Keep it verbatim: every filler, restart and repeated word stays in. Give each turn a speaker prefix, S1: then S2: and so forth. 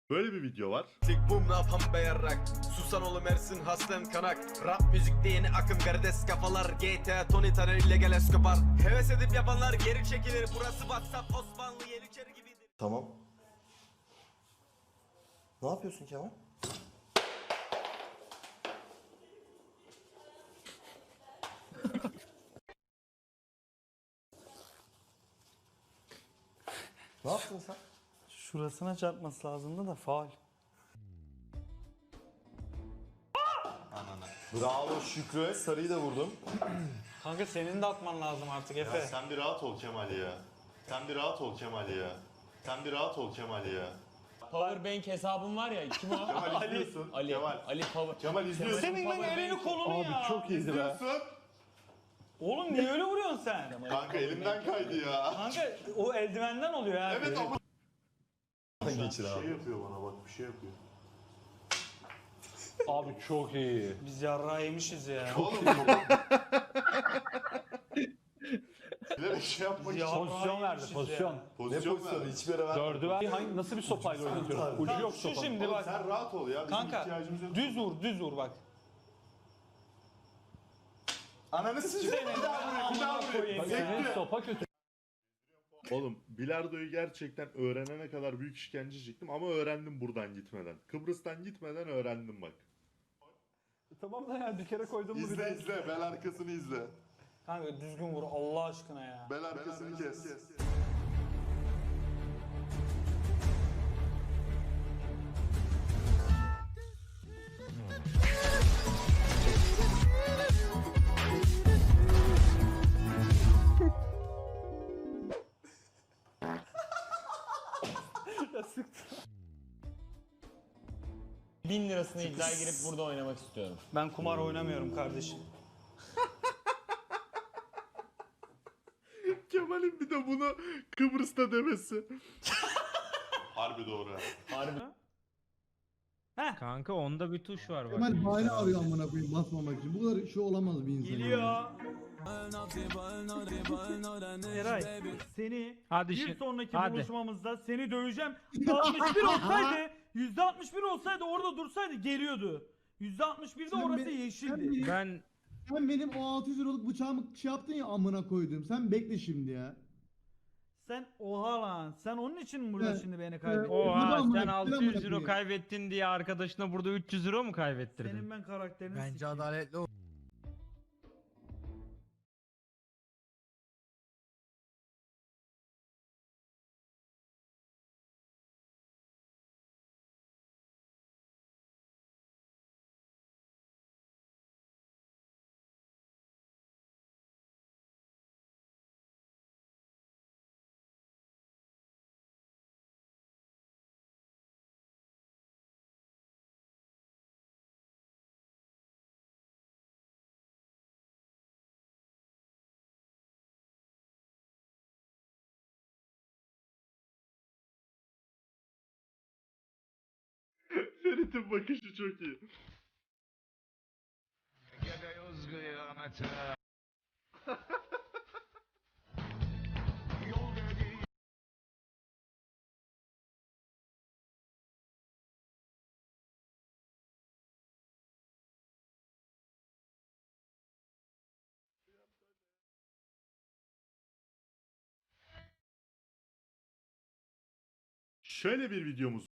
S1: Böyle bir video var.
S2: Bumla pembe yarrak. Susan oğlum Ersin Haslen Kanak. Rap müzikte yeni akım gardes kafalar. G T A Tony Tanner illegal Escobar. Heves edip yapanlar geri çekilir. Burası WhatsApp Osmanlı Yeniçeri gibidir.
S3: Tamam. Ne yapıyorsun Kemal? Ne yaptın sen?
S4: Şurasına çarpması lazımdı da faul.
S3: Bravo Şükrü. Sarıyı da vurdum.
S4: Kanka senin de atman lazım artık Efe.
S1: Ya sen bir rahat ol Kemal ya. Sen bir rahat ol Kemal ya. Sen bir rahat ol Kemal ya.
S5: Powerbank hesabım var ya, kim o?
S1: Kemal izliyorsun.
S5: Ali,
S1: Kemal.
S5: Ali Power.
S1: Kemal izliyorsun.
S4: Senin ben elini kolunu ya.
S1: Çok iyiydi be.
S4: Oğlum niye öyle vuruyorsun sen?
S1: Kanka elimden kaydı ya.
S4: Kanka o eldivenden oluyor ya.
S1: Evet ama.
S3: Geçir
S1: Bir
S3: abi.
S1: şey yapıyor bana bak bir şey yapıyor.
S6: Abi çok iyi.
S4: Biz yarrağı yemişiz ya.
S1: Oğlum bilerek şey yapmak için.
S4: Ya.
S6: Pozisyon verdi,
S4: yemişiz
S6: pozisyon.
S4: ya.
S3: Ne
S1: Pozisyon
S3: pozisyonu?
S1: ver.
S3: Hiçbir yere ver.
S6: Dördü ver. Hangi, nasıl bir sopayla oynatıyorsun? Ucu yok
S4: Şu
S6: sopanın.
S4: şimdi
S1: Oğlum
S4: bak.
S1: sen rahat ol ya. Bizim
S4: Kanka
S1: ihtiyacımız yok.
S4: düz vur düz vur bak.
S3: Ananı sıçrayım.
S1: Bir daha buraya, bir daha buraya.
S6: Bak senin sopa kötü.
S1: Oğlum bilardoyu gerçekten öğrenene kadar büyük işkence çektim ama öğrendim buradan gitmeden. Kıbrıs'tan gitmeden öğrendim bak.
S6: Tamam da ya bir kere koydum mu bir
S1: İzle
S6: de.
S1: izle bel arkasını izle.
S4: Kanka düzgün vur Allah aşkına ya.
S1: Bel arkasını kes.
S5: bin lirasını iddiaya girip burada oynamak istiyorum.
S4: Ben kumar oynamıyorum kardeşim.
S1: Kemal'in bir de bunu Kıbrıs'ta demesi. Harbi doğru.
S5: Harbi.
S7: Kanka onda bir tuş var bak.
S8: Kemal bahane arıyor amına koyayım basmamak için. Bu kadar şey olamaz bir insan.
S4: Geliyor. Eray seni
S7: Hadi
S4: bir
S7: şimdi.
S4: sonraki
S7: Hadi.
S4: buluşmamızda seni döveceğim. altmış bir olsaydı, yüzde altmış bir olsaydı orada dursaydı geliyordu. yüzde altmış birde
S8: Sen
S4: orası
S8: beni-
S4: yeşildi.
S8: Sen benim,
S7: Ben
S8: sen benim o altı yüz liralık bıçağımı şey yaptın ya amına koydum. Sen bekle şimdi ya.
S4: Sen oha lan. Sen onun için mi burada
S8: Evet,
S4: şimdi beni
S8: evet.
S4: kaybettin?
S7: oha
S8: Buradan
S7: sen
S8: bırak,
S7: altı
S8: buradan
S7: yüz euro
S8: bırakayım.
S7: kaybettin diye arkadaşına burada üç yüz euro mu kaybettirdin?
S4: Senin ben karakterini
S9: Bence
S4: sikeyim.
S9: adaletli ol.
S1: Ferit'in bakışı çok iyi. Şöyle bir videomuz